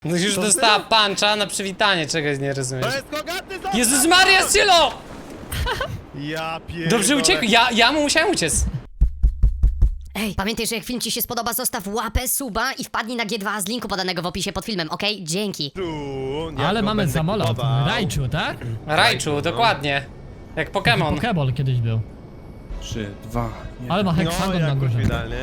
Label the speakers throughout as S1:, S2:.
S1: No już
S2: To
S1: dostała
S2: ty?
S1: puncha na przywitanie, czegoś nie rozumiesz.
S2: To jest Kogaty, zostaw!
S1: Jezus Maria, Sylo!
S2: Ja pierdolę.
S1: Dobrze uciekł, ja mu musiałem uciec.
S3: Ej, pamiętaj, że jak film ci się spodoba, zostaw łapę, suba i wpadnij na G2 z linku podanego w opisie pod filmem, okej? Dzięki.
S2: Ja
S4: Ale
S2: go
S4: mamy
S2: będę
S4: samolot.
S2: kupował.
S4: Raichu, tak?
S1: Raichu, dokładnie. Jak Pokémon.
S4: Pokeball kiedyś był.
S5: 3, 2, 1.
S4: Ale ma
S2: No,
S4: heksagon na
S2: jak
S4: górze.
S2: idealnie.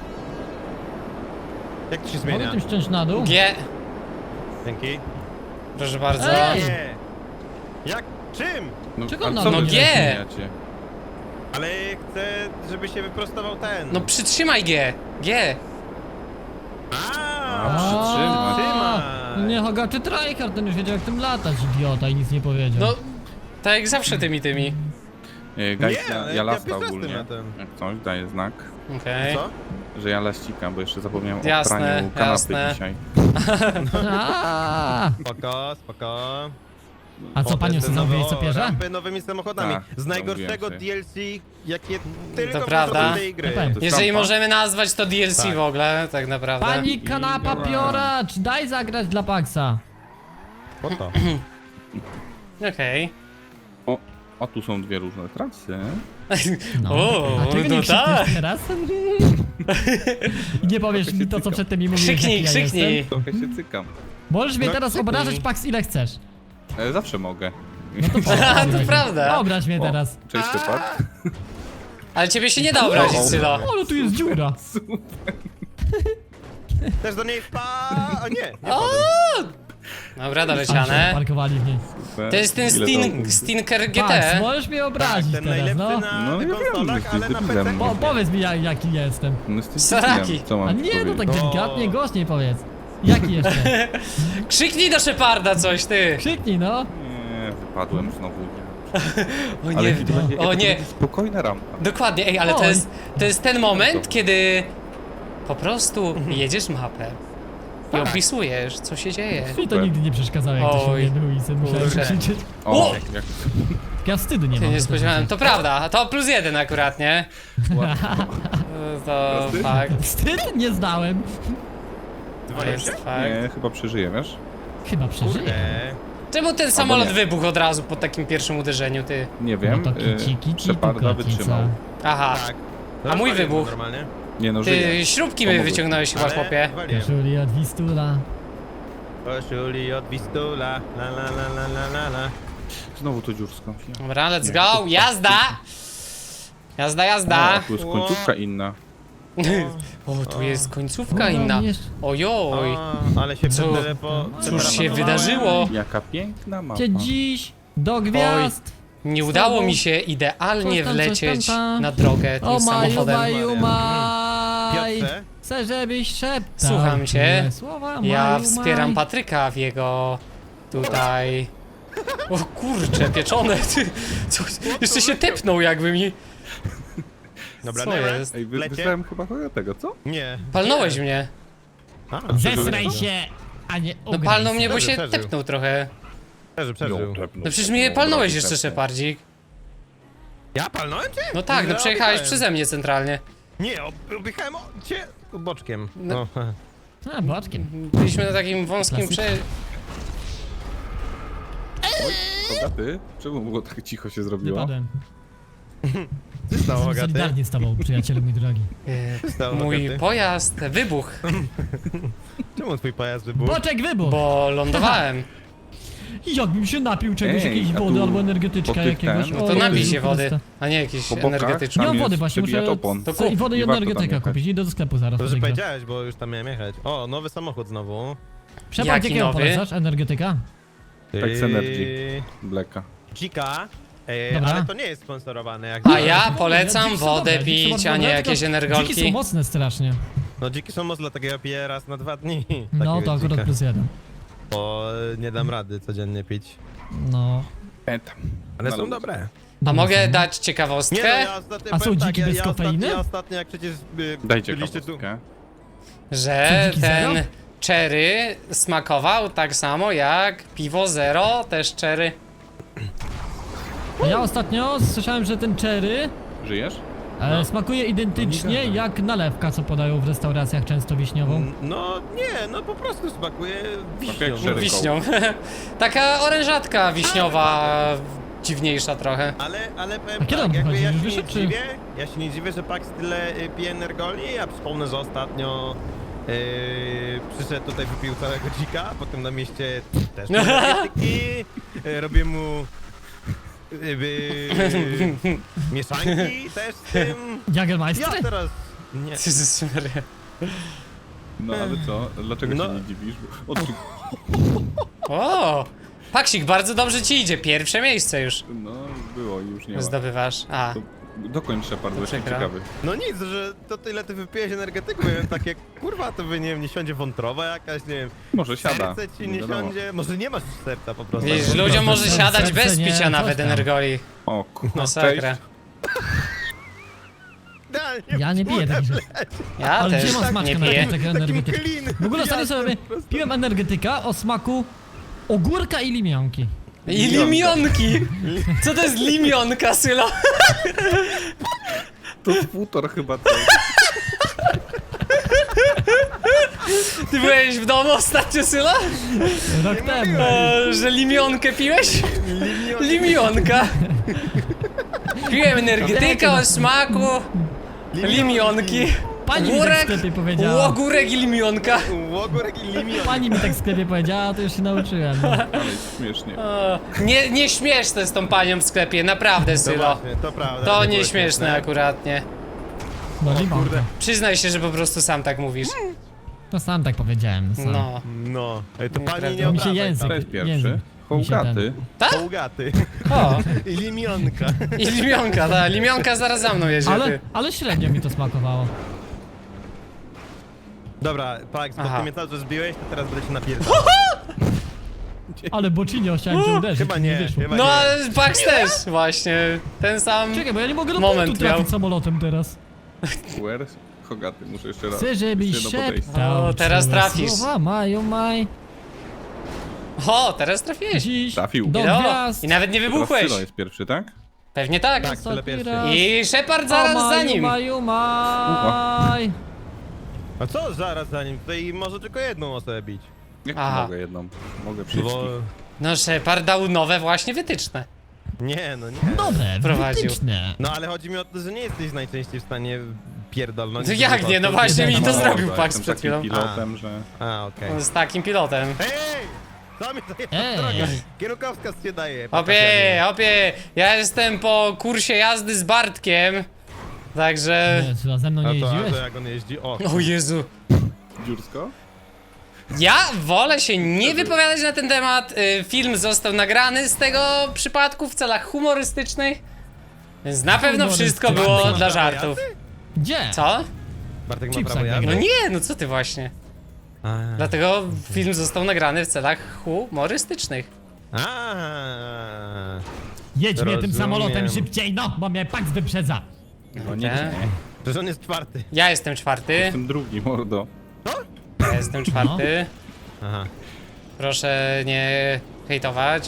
S2: Jak to się
S4: Mogę
S2: zmienia?
S4: tym ściąć na dół?
S1: G.
S2: Dzięki.
S1: Proszę bardzo.
S4: Ej!
S2: Nie. Jak? Czym?
S5: No,
S4: Czego
S5: a
S4: na
S5: co
S4: mnie
S5: wy
S1: G?
S5: zmieniacie?
S2: Ale chcę, żeby się wyprostował ten.
S1: No przytrzymaj G. G.
S2: A,
S5: przytrzymaj.
S2: przytrzymaj.
S4: Nie, Hogaty tryhard, ten już wiedział jak tym latać, idiota, i nic nie powiedział.
S1: No, tak jak zawsze tymi.
S5: Guys,
S2: Nie,
S5: ja
S2: ja
S5: lasta
S2: pierwszy
S5: ogólnie.
S2: raz tym latem.
S5: Jak coś, daję znak,
S1: Okej.
S2: Co?
S5: że ja laścikam, bo jeszcze zapomniałem
S1: Jasne,
S5: o praniu kanapy
S1: jasne.
S5: dzisiaj.
S4: Aaaa!
S2: Spoko, spoko.
S4: A co, panią sobie zamówiłeś co pierze?
S2: Rampy nowymi samochodami.
S5: Tak,
S2: z najgorszego
S5: zamówiłem
S2: DLC, jakie tylko
S1: To prawda.
S2: wchodzą do tej gry.
S4: To pewnie.
S1: Jeżeli
S5: Sztampa?
S1: możemy nazwać to DLC
S2: Tak.
S1: w ogóle, tak naprawdę.
S4: Pani kanapa pioracz, daj zagrać dla Paxa.
S2: Po to.
S1: Okej.
S5: O, tu są dwie różne trasy.
S4: No.
S1: O,
S4: A czego
S1: no
S4: nie
S1: tak.
S4: krzykniesz teraz? I nie powiesz mi to, co przedtem mi mówiłeś,
S1: Krzyknij,
S4: jaki ja
S1: krzyknij.
S4: jestem.
S5: Trochę się cykam.
S4: Możesz mnie
S2: No,
S4: teraz
S2: krzyknij.
S4: obrażać, Pax, ile chcesz.
S5: Zawsze mogę.
S1: A, to prawda.
S4: Obraź mnie
S5: O,
S4: teraz.
S5: Cześć, Shepard.
S1: Ale ciebie się nie da obrazić, Sylo.
S4: O, ale tu jest dziura.
S2: Też do niej O nie, nie
S1: O!
S2: wchodzę.
S1: Dobra,
S4: Ale się
S1: doleciane.
S4: parkowali w niej.
S1: To jest ten Stinker
S4: Pax,
S1: GT.
S4: możesz mnie
S2: Tak,
S4: obrazić
S2: ten
S4: teraz,
S2: najlepszy
S4: no.
S2: na
S5: No, ja wiem,
S2: konsolach,
S5: że
S2: ale na
S5: jesteś
S2: PC.
S5: debilem.
S4: Powiedz mi, jaki jestem.
S5: No jesteś
S1: Saraki.
S5: debilem, co mam
S4: A
S5: ci
S4: nie, no tak
S5: powiedzieć?
S4: delikatnie, głośniej powiedz. Jaki jeszcze?
S1: Krzyknij do Sheparda coś, ty.
S4: Krzyknij, no.
S5: Nie, wypadłem znowu.
S1: O
S5: Ale
S1: nie,
S5: to będzie,
S1: o
S5: to
S1: nie.
S5: będzie spokojna rampa.
S1: Dokładnie, ej, ale
S4: Oj.
S1: to jest ten moment, kiedy po prostu jedziesz mapę i
S4: Tak.
S1: opisujesz, co się dzieje.
S4: Mi to nigdy nie przeszkadzało, jak to się
S1: Oj.
S4: nie było i sobie musiałem
S1: Kurczę.
S4: krzyczeć.
S1: O!
S5: O, jak
S4: Ja wstydu nie
S1: Się
S4: mam.
S1: nie
S4: za to,
S1: spodziewałem,
S4: że-
S1: to prawda, to +1 akurat, nie? To fakt,
S4: Wstyd nie znałem.
S1: to jest fakt.
S5: Nie, chyba przeżyję, wiesz?
S4: Chyba przeżyję.
S2: Nie.
S1: Czemu ten samolot
S5: nie.
S1: wybuchł od razu po takim pierwszym uderzeniu, ty?
S5: Nie wiem.
S4: No to kici, kici,
S5: Sheparda
S4: tu
S5: wytrzymał.
S4: kotica.
S1: Aha,
S2: Tak.
S1: A mój
S2: Rozwaliłem
S1: wybuch?
S2: Normalnie.
S5: Nie no, żyje.
S1: ty śrubki
S5: Pomogło.
S1: wyciągnąłeś chyba,
S2: Ale
S1: chłopie.
S2: waliłem.
S4: Koszuli od Wistula.
S2: Koszuli od Wistula, la la la la la la la.
S5: Znowu to dziursko.
S1: Dobra, let's go, jazda! Jazda,
S5: A,
S1: jazda!
S5: tu jest końcówka inna.
S1: O, tu jest końcówka inna.
S4: jeszcze-
S1: Ojoj,
S2: O, ale się
S1: Co? cóż się wydarzyło?
S5: Jaka piękna mapa.
S4: Cię dziś do gwiazd.
S1: Nie udało mi się idealnie
S4: Coś tam,
S1: wlecieć
S4: coś tam.
S1: na drogę
S4: O
S1: tym
S4: maju,
S1: samochodem.
S4: maju, maj.
S2: Piotrze?
S4: Chcę, żebyś szeptał.
S1: Słucham cię.
S4: miłe Słowa,
S1: Ja
S4: maju,
S1: wspieram
S4: maj.
S1: Patryka w jego tutaj... O kurcze, pieczone, ty. Co? Jeszcze się tepnął jakby mi...
S2: Dobra,
S1: Co
S2: dobra.
S1: jest?
S5: Ej,
S2: Lecie?
S5: wysłałem chyba tego, co?
S2: Nie.
S1: Palnąłeś mnie.
S2: A,
S4: Zesraj się, a nie
S1: No
S4: ugraj
S1: palnął
S4: się.
S1: mnie, bo się
S2: Przeżył.
S1: tepnął trochę.
S2: przeżył.
S1: No przecież mnie palnąłeś jeszcze, Szepardzik.
S2: Ja palnąłem cię?
S1: No tak, no
S2: Ja
S1: przejechałeś
S2: objechałem.
S1: przeze mnie centralnie.
S2: Nie, objechałem cię boczkiem.
S1: No.
S2: No.
S4: A, boczkiem.
S1: Byliśmy na takim wąskim
S4: Klasyka.
S5: Kogaty? Czemu było tak cicho się zrobiło?
S4: Wypadłem.
S2: Co się stało, Agaty?
S4: Solidarnie z tobą, przyjacielu mój drogi.
S2: Co się stało,
S1: Mój
S2: Agaty?
S1: pojazd wybuchł,
S2: Czemu twój pojazd wybuchł?
S4: Boczek wybuch!
S1: bo lądowałem.
S4: Jakbym się napił czegoś,
S5: Ej,
S4: jakiejś
S5: a
S4: wody
S5: tu
S4: albo
S5: po
S4: energetyczka
S5: tych
S4: jakiegoś.
S5: ten-
S1: No
S4: O
S1: to napij
S4: Jezu
S1: się wody,
S4: Chryste.
S1: a nie jakieś
S5: Po bokach
S1: energetyczne.
S4: Nie mam
S5: Tam
S4: wody
S5: jest
S4: właśnie,
S5: przebijacz
S4: muszę
S5: opon.
S1: To
S4: co, i
S1: kup.
S4: wodę i
S5: Nie warto tam
S4: energetyka
S5: jechać.
S4: kupić. Idę do sklepu zaraz.
S2: To, że
S4: podejdę.
S2: powiedziałeś, bo już tam miałem jechać. O, nowy samochód znowu.
S4: Shepard,
S1: Jaki
S4: jakiego
S1: nowy?
S4: polecasz? Energetyka?
S5: Tak z Energy. Blacka.
S2: Dzika.
S4: Dobra.
S2: Ale to nie jest sponsorowane. Jak
S1: A ja polecam
S4: Dziki są
S1: wodę
S4: dobre, dziki są
S1: pić,
S4: bardzo
S1: a nie
S4: dobre,
S1: jakieś
S4: tylko Dziki są
S1: energolki.
S4: mocne strasznie.
S2: No dziki są mocne, takiego piję raz na 2 dni.
S4: No
S2: Takiego
S4: to akurat
S2: dzika.
S4: +1.
S2: Bo nie dam rady codziennie pić.
S4: No.
S5: Pamiętam.
S2: Ale
S5: Na
S2: są
S5: luz.
S2: dobre.
S1: A
S4: Dobra,
S1: mogę
S4: są.
S1: dać
S2: Nie no,
S1: ciekawostkę?
S2: ja ostatnio
S4: A są
S2: powiem tak,
S4: dziki bez kofeiny?
S2: Ja ostatnio jak przecież
S5: Dajcie
S2: byliście tu.
S5: kawałkę.
S1: Że
S4: Co, dziki
S1: ten
S4: zero?
S1: cherry smakował tak samo jak piwo zero, też cherry.
S4: Ja ostatnio słyszałem, że ten cherry
S5: Żyjesz?
S4: Smakuje identycznie jak nalewka, co podają w restauracjach często wiśniową.
S2: No nie, no po prostu smakuje wiśnią.
S5: jak szereg.
S1: Wiśnią. Taka orężatka wiśniowa, dziwniejsza trochę.
S2: Ale powiem
S4: A kiedy
S2: tak,
S4: on
S2: jakby
S4: wychodzi?
S2: ja się
S4: Już
S2: nie
S4: wyszedł, czy-
S2: dziwię, że Pax tyle pije energoli. Ja przypomnę, że ostatnio przyszedł tutaj, wypił całego dzika, potem na mieście też pił energetyki, robię mu mieszanki też z tym. Ja
S4: Jagermeister?
S2: teraz... Nie.
S1: Jezus Maria.
S5: No ale co? Dlaczego
S2: No.
S5: się nie dziwisz? O, tu,
S1: O! Paksik, bardzo dobrze ci idzie. Pierwsze miejsce już
S5: no było, już nie ma.
S1: zdobywasz. A,
S5: To dokończ Shepard, bo jestem
S1: przykro.
S5: ciekawy.
S2: No nic, że to tyle ty wypijesz energetyku, ja wiem, takie kurwa, to by nie wiem, nie siądzie wątroba jakaś, nie wiem,
S5: Może siada.
S2: serce ci nie
S5: wiadomo.
S2: siądzie, może nie masz serca po prostu.
S1: widzisz, ludziom może
S4: serce
S1: siadać bez
S4: nie,
S1: picia
S4: coś
S1: nawet
S4: tam.
S1: energoli.
S5: O kurwa,
S1: Masakra.
S2: Idealnie
S4: Ja nie piję takich rzeczy.
S1: Ja
S4: Ale
S1: też
S4: gdzie ma smaczkę
S1: nie
S4: na
S1: piję.
S4: takiego
S2: takim
S4: energetyka?
S2: clean.
S4: W ogóle ostatnio sobie piłem energetyka o smaku ogórka i limionki.
S1: I limionki! Co to jest limionka, Sylo?
S5: To z półtor chyba to.
S1: Ty byłeś w domu ostatnio, Sylo?
S4: Rok temu.
S1: Że limionkę piłeś? Limionka. Piłem energetyka o smaku limionki.
S4: Pani mi tak w sklepie powiedziała.
S1: Ogórek i limionka.
S2: Łogórek i limion.
S4: Pani mi tak w sklepie powiedziała, to już się nauczyłem. No.
S5: Ale śmiesznie.
S1: O, nie śmieszne z tą panią w sklepie, naprawdę,
S2: To
S1: Sylo.
S2: właśnie, to prawda.
S1: To
S2: było
S1: nie śmieszne
S2: śmieszne.
S1: akurat, nie.
S4: No limonka.
S1: Przyznaj się, że po prostu sam tak mówisz.
S4: To sam tak powiedziałem. Sam.
S1: No.
S2: No, ej, to pani
S1: Nieprawda.
S2: nie
S4: Mi się
S2: obrażaj,
S4: język-
S5: To jest pierwszy.
S4: język mi się
S5: Hołgaty.
S2: Połgaty.
S1: O,
S2: I limionka.
S1: i limionka, ta limionka zaraz za mną jedzie.
S4: Ale średnio mi to smakowało.
S2: Dobra, Pax, bo
S1: Aha.
S2: ty mnie cały czas zbiłeś, to teraz będę się napierdał.
S4: Ale bocinio chciałem cię uderzyć.
S2: Chyba nie,
S4: wyszło.
S2: chyba
S1: No
S2: nie.
S1: ale Pax też, właśnie. Ten sam.
S4: Czekaj, bo ja nie mogę do
S1: Moment
S4: punktu trafić
S1: miał.
S4: samolotem teraz.
S5: Where? Hogaty, muszę jeszcze raz.
S4: Chcę, żebyś
S5: Jeszcze jedno podejście.
S4: szeptał.
S1: O, teraz
S4: czułe
S1: trafisz.
S4: Słowa maju maj.
S1: O, teraz trafiłeś.
S4: Dziś
S5: Trafił.
S4: do
S1: No,
S4: gwiazd.
S1: i nawet nie
S5: Teraz
S1: wybuchłeś.
S5: Sylo jest pierwszy, tak?
S1: Pewnie tak.
S2: Tak, tyle
S4: Ostatni
S2: pierwszy.
S4: raz.
S1: I Shepard zaraz
S4: O,
S1: za
S4: maju,
S1: nim.
S4: Maju, maj.
S2: A co zaraz za nim? Tutaj może tylko jedną osobę bić.
S5: Jak
S1: Aha.
S5: mogę jedną? Mogę wszystkich.
S2: Bo...
S1: No Shepard dał nowe właśnie wytyczne.
S2: Nie, no nie.
S4: Dobre,
S1: Prowadził.
S4: wytyczne.
S2: No ale chodzi mi o to, że nie jesteś najczęściej w stanie pierdolnąć.
S1: To jak nie? No właśnie mi to
S4: No,
S1: zrobił
S5: tak,
S1: Pax
S5: jestem
S1: przed chwilą.
S5: takim pilotem, że...
S2: A, okej.
S1: Z takim pilotem.
S2: Ej! Co mi to jest
S4: Ej.
S2: droga? Kierunkowskaz się daje.
S1: Hopie, ja jestem po kursie jazdy z Bartkiem. Także...
S4: Nie, czy ze mną nie
S2: A to
S4: jeździłeś?
S2: jak on jeździ? O,
S1: O Jezu.
S5: Dziursko?
S1: Ja wolę się nie wypowiadać na ten temat. Film został nagrany z tego przypadku w celach humorystycznych. Więc na pewno wszystko było
S2: Bartek ma
S1: dla
S2: prawo
S1: żartów.
S4: Gdzie?
S1: Co?
S2: Bartek ma
S4: Chipsa
S2: prawo jazdy?
S1: No nie, no co ty właśnie.
S2: A.
S1: Dlatego film został nagrany w celach humorystycznych.
S2: A.
S4: Jedź mnie tym
S2: Rozumiem.
S4: samolotem szybciej, no, bo mnie Pax wyprzedza.
S5: No nie,
S1: Tak.
S5: nie.
S2: Przecież on jest czwarty.
S1: Ja jestem czwarty.
S5: Jestem drugi, mordo.
S1: Ja jestem czwarty.
S2: Aha.
S1: Proszę nie hejtować.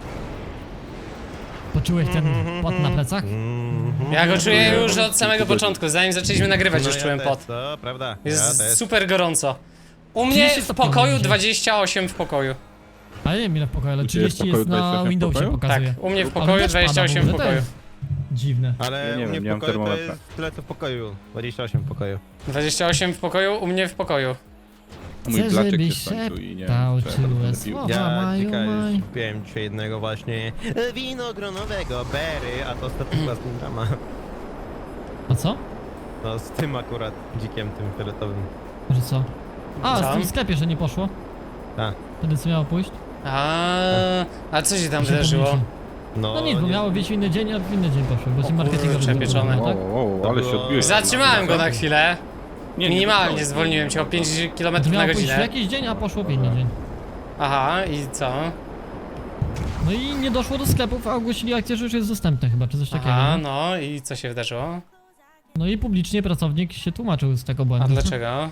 S4: Poczułeś ten pot na plecach?
S1: Ja go czuję już od samego początku. Zanim zaczęliśmy nagrywać, już
S2: No ja
S1: czułem
S2: też,
S1: pot.
S2: to prawda.
S1: Jest
S2: ja też.
S1: super gorąco. U mnie
S4: 30
S1: w
S4: stopni
S1: pokoju
S4: będzie.
S1: 28 w pokoju.
S4: Ale nie wiem ile w pokoju, ale
S5: U ciebie w
S4: 30 jest
S5: pokoju
S4: na
S5: 28 w
S4: Windowsie
S5: pokoju?
S1: Tak,
S4: pokazuje.
S1: u mnie w
S4: Ale
S1: pokoju
S4: deszcz pada,
S1: 28 w
S4: mówię, to
S1: pokoju.
S4: jest Dziwne.
S2: Ale
S5: Ja nie
S2: u mnie
S5: wiem,
S2: w
S5: nie mam
S2: pokoju to
S5: termometra.
S2: jest tyle co w pokoju. 28 w pokoju.
S1: 28 w pokoju, u mnie w pokoju.
S5: Mój
S4: Chcę,
S5: blaczek
S4: żebyś
S5: się skończył i nie
S4: szeptał,
S5: wiem, czy ja to
S4: czułe
S5: będę pił.
S4: słowa.
S2: Ja
S4: maju,
S2: ciekawe,
S4: maj.
S2: kupiłem dzisiaj jednego właśnie winogronowego berry, a to statywa z tym drama.
S4: A co?
S2: No z tym akurat dzikiem tym fioletowym.
S4: Że co? A,
S1: Co?
S4: z tym sklepie, że nie poszło?
S2: Tak.
S4: Wtedy co miało pójść?
S1: A co się tam
S4: Się
S1: wydarzyło?
S4: pomyliłem.
S2: No,
S4: No nic, bo
S2: nie-
S4: miało być w inny dzień, a w inny dzień poszło, bo ci
S1: O
S4: marketingowi
S1: kurczę,
S4: zrobili,
S1: pieczone.
S4: tak?
S5: O, ale się
S2: było-
S5: odbiłeś.
S1: Zatrzymałem go na chwilę.
S5: Nie, nie
S1: Minimalnie
S5: wypchnąłeś.
S1: zwolniłem cię o 5 km
S4: To
S1: na
S4: miało pójść w
S1: godzinę.
S4: jakiś dzień, a poszło w inny dzień.
S1: Aha, i co?
S4: No i nie doszło do sklepów, a ogłosili akcję, że już jest dostępne chyba, czy coś takiego.
S1: Aha,
S4: nie?
S1: no i co się wydarzyło?
S4: No i publicznie pracownik się tłumaczył z tego
S1: A
S4: błędu.
S1: dlaczego?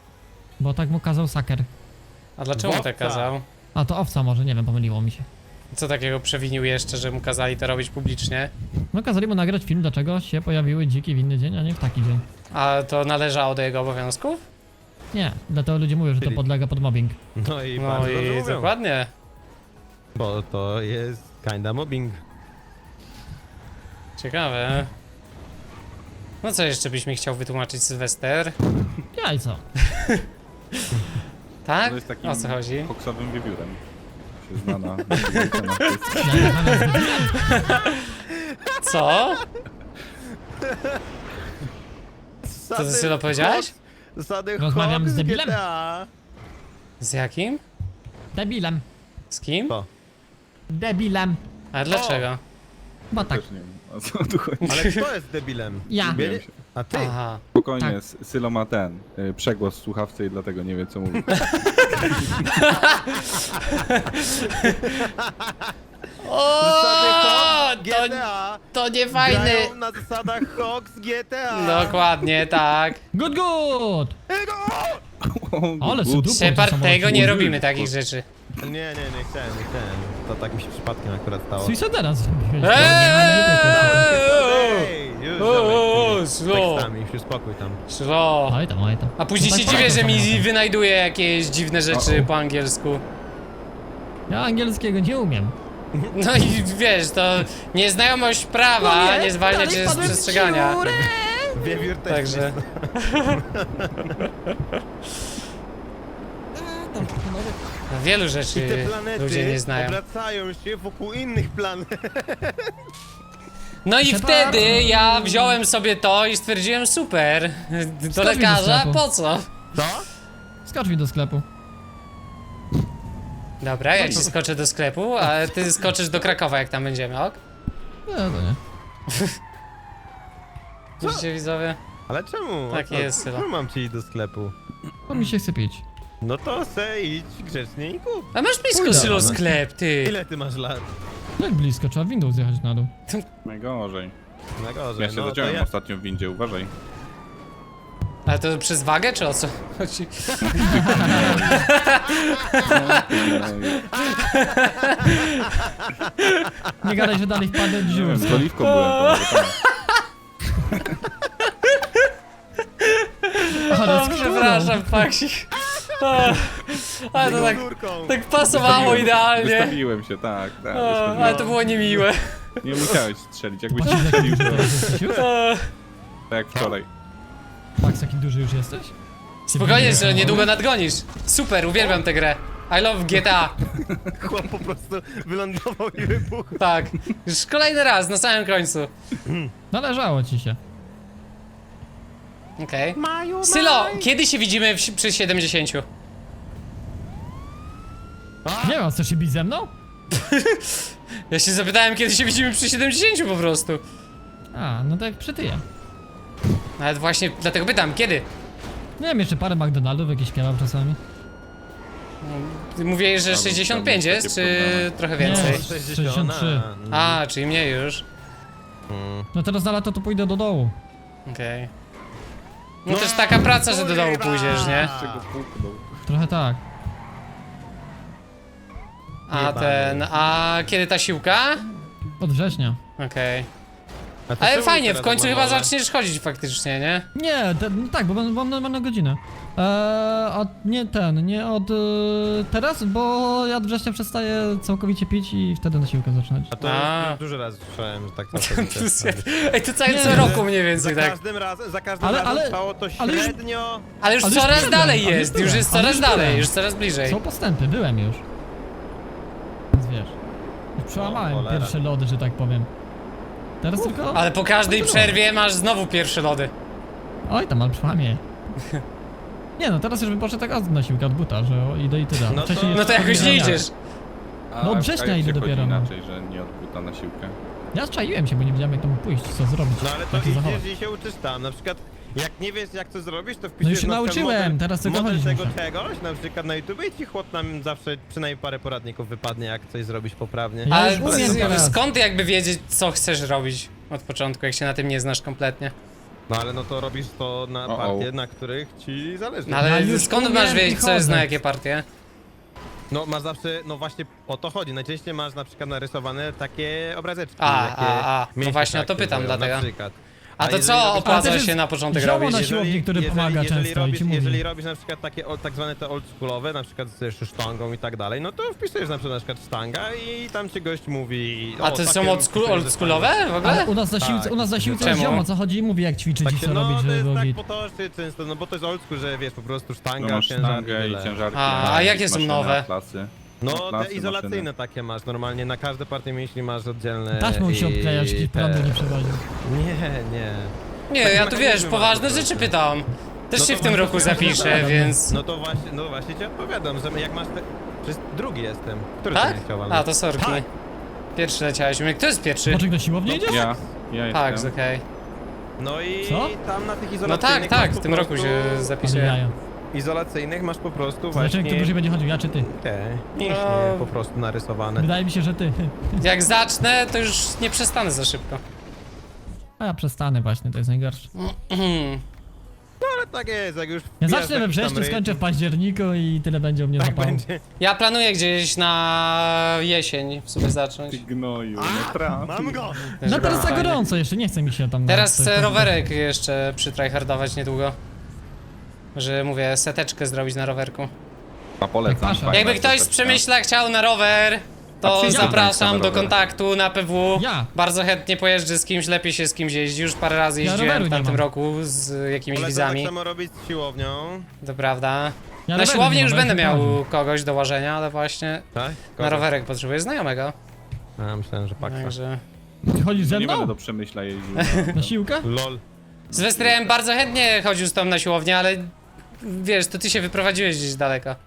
S4: Bo tak mu kazał saker.
S1: A dlaczego mu tak
S2: Wowca.
S1: kazał?
S4: A to owca może, nie wiem, pomyliło mi się.
S1: Co takiego przewinił jeszcze, że mu kazali to robić publicznie?
S4: No kazali mu nagrać film, dlaczego się pojawiły dziki w inny dzień, a nie w taki dzień.
S1: A to należało do jego obowiązków?
S4: Nie, dlatego ludzie mówią, że to podlega pod mobbing.
S2: No i
S1: No
S2: bardzo dobrze
S1: i
S2: mówią,
S1: dokładnie.
S2: bo to jest kinda mobbing.
S1: Ciekawe. No co jeszcze byś mi chciał wytłumaczyć, Sylwester?
S4: Jajco.
S1: Tak?
S5: To jest takim
S1: O co chodzi?
S5: koksowym wiewiórem. Się zna na...
S4: Ja rozmawiam z debilem.
S1: Co? Co ty, Sylo, powiedziałeś?
S2: Zasady
S4: Rozmawiam
S2: Hawk
S4: z debilem.
S2: GTA.
S1: Z jakim?
S4: Debilem.
S1: Z kim?
S2: Co?
S4: Debilem.
S1: A dlaczego?
S4: Bo tak.
S5: Też nie wiem, o co tu chodzi.
S2: Ale kto jest debilem?
S4: Ja.
S2: Ciebie? A ty?
S1: Aha.
S5: Spokojnie,
S4: Tak.
S5: Sylo ma ten przegłos w słuchawce i dlatego nie wie co mówi.
S2: Zasady
S1: O,
S2: Hawk
S1: to,
S2: GTA.
S1: to nie fajny.
S2: Grają na zasadach Hawks GTA.
S1: Dokładnie, tak.
S4: Good, good. Ale
S5: Good.
S4: super.
S1: Shepard, tego nie robimy takich rzeczy.
S2: Nie chciałem. To tak mi się przypadkiem akurat stało.
S4: Suicidera zrobiłeś.
S2: Ej, już ziomek,
S1: Slow.
S2: tekstami, już spokój tam.
S1: Slow.
S4: Oj tam, oj tam.
S1: A później
S4: No
S1: się
S4: tak
S1: dziwię, że
S4: polecam
S1: mi
S4: samochód.
S1: wynajduje jakieś dziwne rzeczy po angielsku.
S4: Ja angielskiego nie umiem.
S1: No i wiesz, to nieznajomość prawa nie zwalnia cię z przestrzegania.
S2: Wiewiór też
S1: Także. No, wielu
S2: I
S1: rzeczy
S2: te
S1: ludzie
S2: planety
S1: nie znają.
S2: obracają się wokół innych planet.
S1: No i
S4: Shepard.
S1: wtedy ja wziąłem sobie to i stwierdziłem super. Do
S4: Skocz mi do
S1: lekarza?
S4: sklepu.
S1: Po co?
S2: Co?
S4: Skocz mi do sklepu.
S1: Dobra, ja ci skoczę do sklepu, a ty skoczysz do Krakowa, jak tam będziemy, ok?
S4: Nie, to nie.
S1: Widzicie, widzowie?
S2: Ale czemu?
S1: Tak
S2: O co?
S1: jest, Sylo.
S2: Czemu mam ci iść do sklepu?
S4: Bo mi się chce pić.
S2: No to se idź grzecznie i kup.
S1: A masz blisko,
S4: Pójdę.
S1: Sylo, sklep, ty.
S2: Ile ty masz lat?
S4: Jak blisko, trzeba windą zjechać na dół.
S5: Najgorzej.
S2: Na gorzej,
S5: Ja się
S2: no to
S5: zaciąłem
S2: ja...
S5: ostatnio w windzie, uważaj.
S1: Ale to przez wagę, czy o co chodzi?
S4: Nie gadaj, że dalej wpadnę w
S5: Nie
S4: dziurę.
S5: wiem, z oliwką byłem.
S4: Ale
S1: O,
S4: z
S1: przepraszam, Paksik. Ale to tak,
S2: Górką.
S1: tak pasowało idealnie.
S5: Wystawiłem się, tak.
S1: O, ale to było niemiłe.
S5: Nie musiałeś strzelić, jakbyś
S4: Patrz, jaki
S5: strzelił,
S4: duży
S5: to
S4: jesteś już?
S5: tak jak wczoraj.
S4: Max, jaki duży już jesteś?
S1: Spokojnie, że niedługo nadgonisz. Super, uwielbiam tę grę. I love GTA.
S2: Chłop po prostu wylądował i wybuchł.
S1: Tak. Już kolejny raz, na samym końcu.
S4: Należało ci się.
S1: Okej. Sylo, kiedy się widzimy przy 70?
S4: Nie wiem, chcesz się bić ze mną?
S1: Ja się zapytałem, kiedy się widzimy przy 70 po prostu.
S4: A, no tak jak przytyję.
S1: Nawet właśnie dlatego pytam, kiedy?
S4: Nie wiem, jeszcze parę McDonaldów jakieś kebab czasami.
S1: Ty mówiłeś, że
S5: Tam
S1: 65
S5: takie
S1: jest, czy
S5: problemy.
S1: trochę więcej?
S4: Nie. 63.
S1: A, czyli mniej już.
S4: No teraz na lato to pójdę do dołu.
S1: Okej. No też taka praca, że do domu pójdziesz, nie?
S5: Czego puknął.
S4: Trochę tak.
S1: A kiedy ta siłka?
S4: Od września.
S1: Okej. Ale fajnie, w końcu chyba zaczniesz chodzić faktycznie, nie?
S4: Nie, no tak, bo mam normalną godzinę. Nie od teraz, bo ja od września przestaję całkowicie pić i wtedy na siłkę zaczynać.
S2: A to
S1: A.
S2: już dużo razy słyszałem, że tak całkowicie.
S1: Ej, to cały
S4: Nie,
S1: co
S4: że-
S1: roku mniej więcej,
S2: Za
S1: tak.
S2: każdym razem, za każdym
S4: Ale-
S2: razem
S4: ale-
S2: trwało to
S4: ale już-
S2: średnio...
S1: Ale już
S4: Ale już
S1: coraz
S4: byłem,
S1: dalej
S4: ale już
S1: jest,
S4: byłem,
S1: już jest
S4: ale
S1: coraz
S4: już
S1: dalej,
S4: byłem.
S1: już coraz bliżej.
S4: Są postępy, byłem już. Więc wiesz. Już przełamałem
S2: cholera.
S4: pierwsze lody, że tak powiem. Teraz tylko...
S1: Ale po każdej przerwie masz znowu pierwsze lody.
S4: Oj, tam, ale przełamie. Nie no, teraz już bym poszedł tak od na siłkę od buta, że idę i tyle.
S2: No to-
S4: Wcześniej
S1: No to jakoś nie idziesz.
S4: No od września
S5: jak
S4: idę
S5: się chodzi
S4: dopiero, no.
S5: inaczej, że nie odbuta na siłkę.
S4: Ja czaiłem się, bo nie wiedziałem jak tam pójść, co zrobić.
S2: No ale to
S4: jak się zachować.
S2: idziesz i się uczysz tam, na przykład jak nie wiesz jak to zrobić, to
S4: No
S2: wpisujesz
S4: już się
S2: na przykład
S4: nauczyłem,
S2: model,
S4: teraz tylko
S2: model
S4: chodzić
S2: tego
S4: muszę.
S2: czegoś, na przykład na YouTube i ci chłop nam zawsze przynajmniej parę poradników wypadnie jak coś zrobić poprawnie.
S4: Ja
S1: Ale
S4: już umiem teraz.
S1: skąd jakby wiedzieć, co chcesz robić od początku, jak się na tym nie znasz kompletnie?
S2: No ale no to robisz to na
S5: O-o.
S2: partie, na których ci zależy.
S1: No
S4: Ja
S1: ale
S4: już
S1: skąd
S4: umiem
S1: masz
S4: i
S1: wiedzieć, co jest
S4: chodzę.
S1: na jakie partie?
S2: No masz zawsze, no właśnie o to chodzi. Najczęściej masz na przykład narysowane takie obrazeczki.
S1: A,
S2: takie
S1: no
S2: mięśnie
S1: właśnie o to pytam,
S2: charakteryzują,
S1: dlatego.
S2: Na przykład.
S1: A to
S2: jeżeli
S1: co
S2: robisz-
S1: opłaca
S4: też jest
S1: się na początek
S4: zioło
S1: robić?
S4: na siłowni, który pomaga często i
S2: robisz,
S4: ci mówi.
S2: jeżeli robisz na przykład takie tak zwane te oldschoolowe, na przykład z sztangą i tak dalej, no to wpisujesz na przykład sztanga i tam ci gość mówi...
S1: A to są oldschoolowe w ogóle?
S4: Ale u nas na siłce,
S2: Tak.
S4: u nas na siłce
S1: Czemu?
S4: jest ziomo, co chodzi i mówi jak ćwiczyć i co
S2: no,
S4: robić,
S2: to
S4: żeby
S2: jest
S4: było
S2: tak
S4: git.
S2: potocznie często, no bo to jest oldschool, że wiesz, po prostu
S5: No
S2: sztanga,
S5: masz
S2: ciężar
S5: sztangę i
S2: tyle.
S5: ciężarki.
S1: A jakie są
S5: maszyny,
S1: nowe?
S5: atlasy.
S2: No,
S5: Atlasy,
S2: te izolacyjne
S5: maszyny.
S2: takie masz, normalnie na każde partie mięśni masz oddzielne...
S4: Taśmą się
S2: i
S4: obklejać,
S2: te-
S4: prądu nie przewoził.
S2: Nie.
S1: Nie, ja tu wiesz,
S2: mechanizmy
S1: poważne
S2: masz po
S1: rzeczy
S2: prostu.
S1: pytam. Też
S2: No
S1: się
S2: to
S1: w tym
S2: właśnie
S1: roku
S2: chciałem
S1: zapiszę,
S2: zadać.
S1: więc...
S2: No właśnie ci odpowiadam, że jak masz te... Przecież drugi jestem. Który
S1: Tak?
S2: ty nie chciał walnąć?
S1: A, to sorki.
S2: Tak.
S1: Pierwszy leciałeś. Kto jest pierwszy?
S4: Boczek do siłowni idziesz?
S5: Ja
S1: Tak,
S5: jestem.
S1: okej.
S2: No i
S4: Co?
S2: tam na tych
S1: No
S2: izolacyjnych
S1: tak,
S2: masz
S1: w
S2: po
S1: tym roku
S2: prostu-
S1: się
S4: Ale
S1: zapisuję.
S4: jaja.
S2: Izolacyjnych masz po prostu
S4: Zobaczymy,
S2: właśnie...
S4: kto dłużej będzie chodził, ja czy ty?
S2: Te mięśnie
S1: No.
S2: po prostu narysowane.
S4: Wydaje mi się, że ty.
S1: Jak zacznę, to już nie przestanę za szybko.
S4: A ja przestanę właśnie, to jest najgorsze.
S2: No ale tak jest, jak już
S4: Ja
S2: wbijasz
S4: zacznę we
S2: jakiś tam
S4: wrześniu,
S2: rytm,
S4: skończę w październiku i tyle będzie u mnie
S2: tak
S4: zapało.
S2: będzie.
S1: Ja planuję gdzieś na jesień w sumie zacząć.
S5: Ty gnoju, nie trafi.
S2: Mam go!
S4: No teraz za
S1: Fajnie.
S4: gorąco jeszcze, nie chce mi się tam...
S1: Teraz
S4: coś
S1: chcę
S4: tam-
S1: rowerek jeszcze przytryhardować niedługo. Że mówię, seteczkę zrobić na rowerku.
S5: A polecam.
S4: Jak pasza.
S5: fajna
S1: Jakby ktoś z
S5: seteczka.
S1: Przemyśla chciał na rower,
S5: A
S1: to
S5: przyjdź
S1: zapraszam
S5: na
S1: do
S5: rower.
S1: kontaktu na PW.
S4: Ja.
S1: Bardzo chętnie pojeżdżę z kimś, lepiej się z kimś jeździ. Już parę razy
S4: Ja
S1: jeździłem
S4: roweru
S1: w
S4: nie
S1: tamtym
S4: mam.
S1: roku z jakimiś
S2: Polecam tak
S1: widzami.
S2: samo robić z siłownią.
S1: To prawda.
S4: Ja
S1: Na
S4: roweru
S1: siłowni
S4: nie
S1: już
S4: mam,
S1: będę
S4: ja się
S1: miał kogoś do łażenia, ale właśnie
S2: Tak?
S1: na rowerek potrzebuję znajomego.
S2: A, myślałem, że paksa.
S1: Także...
S4: Ty chodzisz ze
S5: Nie będę
S4: mną?
S5: do Przemyśla jeździł.
S4: Na siłkę?
S2: LOL.
S1: Z Westrem bardzo chętnie chodził z tą na siłownię, ale wiesz, to ty się wyprowadziłeś gdzieś daleko.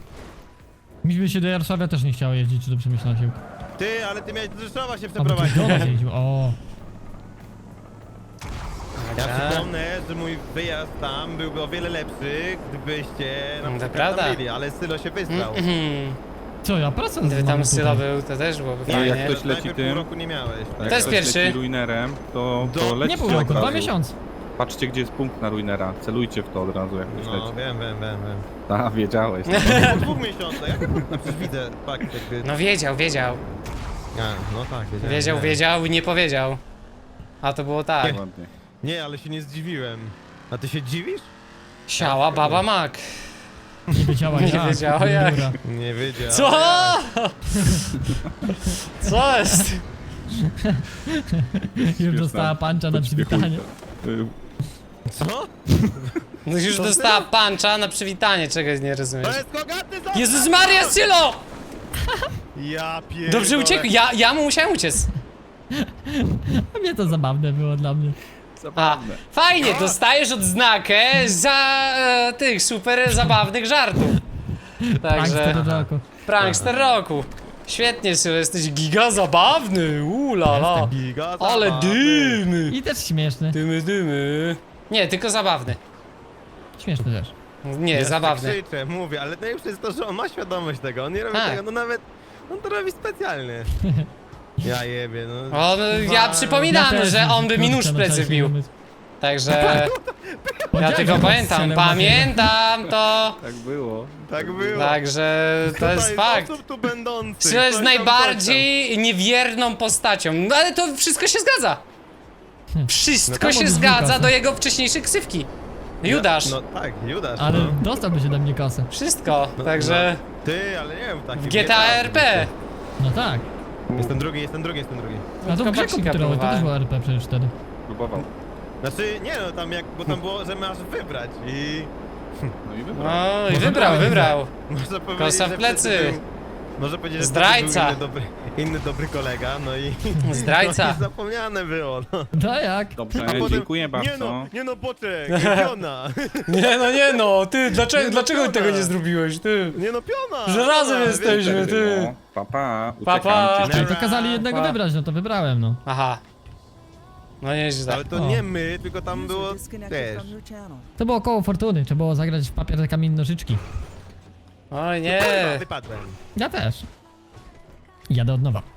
S4: Mi by się do Jarosławia też nie chciało jeździć, czy do Przemyśla na siłkę.
S2: Ty, ale ty miałeś do Rzeszowa się
S4: A bo ktoś
S2: przeprowadzić.
S4: do nas jeździł, o.
S2: Ja
S1: Także-
S2: przypomnę, że mój wyjazd tam byłby o wiele lepszy, gdybyście na
S1: To
S2: przykład
S1: prawda.
S2: tam byli, ale Sylo się wystrał.
S4: Co, ja pracę
S1: Gdyby
S4: mam
S1: tam
S4: tutaj.
S1: Sylo był, to też byłoby
S5: No,
S1: fajnie.
S5: jak ktoś leci
S2: Najpierw
S5: tym-
S2: pół roku nie miałeś, tak?
S5: Jak
S1: To jest
S5: ktoś
S1: pierwszy.
S5: leci ruinerem, to leci
S4: Nie pół
S5: od
S4: roku, 2
S5: razu.
S4: miesiące.
S5: Patrzcie, gdzie jest punkt na ruinera. Celujcie w to od razu, jak ktoś
S2: No,
S5: leci.
S2: wiem.
S5: A, wiedziałeś.
S2: Po 2 miesiącach, jak no, przecież widzę, fakt jakby...
S1: No wiedział.
S2: A, no tak, wiedziałem.
S1: Wiedział i nie powiedział. A to było tak.
S5: Ładnie.
S2: Nie, ale się nie zdziwiłem. A ty się dziwisz?
S1: Siała baba mak.
S4: Nie wiedziała
S1: Nie
S4: jak.
S1: wiedziała jak.
S4: Dobra.
S2: Nie wiedziałem.
S1: Co? Co jest?
S4: Już dostała pancza na przywitanie.
S2: Co?
S1: No już
S2: To
S1: dostała pancza na przywitanie, czegoś nie rozumiesz.
S2: To jest kogaty za...
S1: Jezus Maria, Sylo!
S2: Ja pierdolę.
S1: Dobrze uciekł, ja mu musiałem uciec.
S4: A mnie to zabawne było dla mnie.
S1: A,
S5: Zabawne.
S1: fajnie, dostajesz odznakę za tych super zabawnych żartów.
S4: Prankster
S1: Także,
S4: do roku.
S1: prankster roku. Świetnie, Sylo, jesteś giga zabawny, la.
S2: Giga
S1: Ale
S2: zabawny.
S1: dymy.
S4: I też śmieszny.
S1: Dymy. Nie, tylko zabawny.
S4: Śmieszny też.
S1: Nie,
S2: Ja
S1: zabawny.
S2: Krzyczę, mówię, ale najlepsze jest to, że on ma świadomość tego, on nie robi
S1: Tak.
S2: tego, no nawet, on to robi specjalnie. Ja jebie, no.
S1: Ja przypominam,
S4: też,
S1: że on by mi nóż w
S4: kurczę,
S1: plecy
S4: no,
S1: wbił.
S4: umysł.
S1: Także ja
S4: Powiedziałem,
S1: tylko
S4: że
S1: pamiętam,
S4: strzelę
S1: pamiętam to.
S5: Tak było.
S2: Tak było.
S1: Także to
S2: Tutaj
S1: jest
S2: z
S1: fakt.
S2: osób tu będących.
S1: Sylo jest
S2: coś tam,
S1: najbardziej niewierną postacią. No ale to wszystko się zgadza. Wszystko
S2: No
S4: tam
S1: się
S4: on
S1: zgadza
S4: znika.
S1: do jego wcześniejszej ksywki. Judasz.
S2: No tak, Judasz.
S4: Ale
S2: no.
S4: dostałby się do mnie kasę.
S1: Wszystko. Także
S2: Ty, ale nie wiem, taki
S1: w GTA RP.
S4: No tak.
S2: Jestem drugi.
S4: A to w
S1: Tylko
S4: grze
S1: Baksika
S4: komputerowej to
S1: próbowałem.
S4: też było RP przecież wtedy.
S5: Próbował.
S2: Znaczy, nie no, tam jak, bo tam było, że masz wybrać i...
S5: No i wybrał.
S1: No i
S4: Może
S1: wybrał.
S2: Można powiedzieć,
S1: Kosa w
S2: że
S1: plecy.
S2: wtedy był- Można powiedzieć, że
S1: Zdrajca.
S2: wtedy był inny dobry kolega, no i...
S1: Zdrajca.
S2: No i zapomniane było, no.
S4: No jak?
S5: Dobrze,
S2: A potem,
S5: dziękuję bardzo.
S2: Nie no, poczek, piona.
S1: Nie, ty, dlaczego
S2: piona.
S1: tego nie zrobiłeś, ty?
S2: Nie no, piona.
S1: Że razem
S2: piona,
S1: jesteśmy,
S2: wiesz,
S1: ty.
S5: No, pa,
S1: Pa, pa.
S5: uciekam.
S4: No to kazali jednego
S1: Pa.
S4: wybrać, no to wybrałem, no.
S1: Aha. No nieźle.
S2: Ale to
S4: O.
S2: nie my, tylko tam było, wiesz...
S4: To było koło fortuny, trzeba było zagrać w papier, kamień, nożyczki.
S1: Oj nie.
S2: Wypadłem.
S4: Ja też. Jadę od nowa.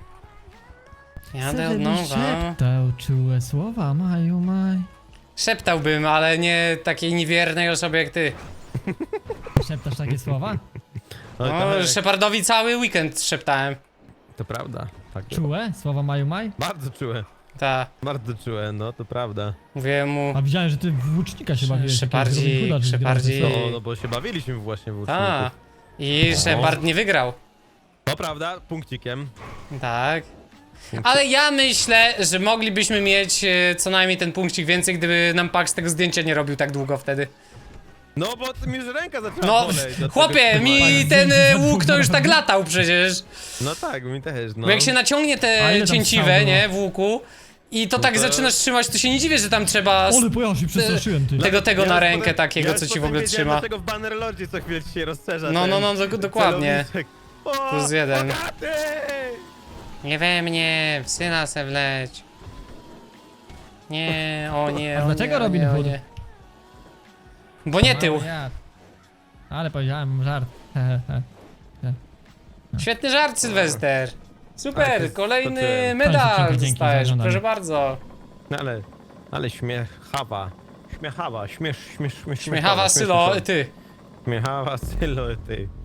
S1: Jadę od nowa.
S4: Szeptał czułe słowa, maju, maj.
S1: Szeptałbym, ale nie takiej niewiernej osobie jak ty.
S4: Szeptasz takie słowa?
S2: No,
S1: No, Shepardowi cały weekend szeptałem.
S2: to prawda. Tak,
S4: Czułe? Słowa Maju Maj?
S2: bardzo czułe.
S1: Ta,
S2: Bardzo czułe, no to prawda.
S1: mówiłem mu.
S4: A widziałem, że ty w łucznika się bawiłeś.
S1: Shepardzik,
S4: takiego Robin Hooda, czy
S1: Shepardzik.
S4: grałeś.
S2: No, no bo się bawiliśmy właśnie w
S1: Ta.
S2: łuczników.
S1: I Shepard nie wygrał.
S2: To prawda, punkcikiem.
S1: Tak. Ale ja myślę, że moglibyśmy mieć co najmniej ten punkcik więcej, gdyby nam Pax tego zdjęcia nie robił tak długo wtedy.
S2: No bo mi już ręka zaczęła
S1: No,
S2: boleć. dlatego
S1: chłopie,
S2: trzymałem.
S1: mi ten łuk to już tak latał przecież.
S2: No tak, mi też, no.
S1: Bo jak się naciągnie
S4: A
S1: te
S4: ile tam
S1: cięciwe,
S4: strzał
S1: nie, w łuku i to
S2: No
S1: tak
S2: to-
S1: zaczynasz trzymać, to się nie dziwię, że tam trzeba
S4: Ole, pojazd się przestraszyłem, ty.
S1: tego
S2: Ja
S1: na
S2: już
S1: rękę
S2: potem-
S1: takiego,
S2: ja
S1: co
S2: już
S1: ci w
S2: potem
S1: ogóle
S2: wiedziałem,
S1: trzyma.
S2: dlatego w Bannerlordzie co chwilę ci się rozszerza
S1: No,
S2: ten
S1: no, no, dokładnie.
S2: celowniczek. O,
S1: Plus jeden.
S2: bogaty!
S1: Nie we mnie, w syna se wleć. Nie, o nie,
S4: A
S1: o
S4: dlaczego
S1: nie, o
S4: Robin
S1: nie, o
S4: Hood?
S1: nie. Bo nie tył.
S4: Ja. Ale powiedziałem żart. He, he, he.
S1: Świetny żart, Sylwester.
S2: Tak, to
S1: Super,
S2: jest-
S1: kolejny
S2: to ty.
S1: medal
S4: Dzięki za
S1: dostajesz,
S4: oglądanie.
S1: proszę bardzo.
S2: No ale śmiechawa. Śmiechawa,
S1: Śmiechawa Sylo, ty.
S2: Śmiechawa, sylo, ty.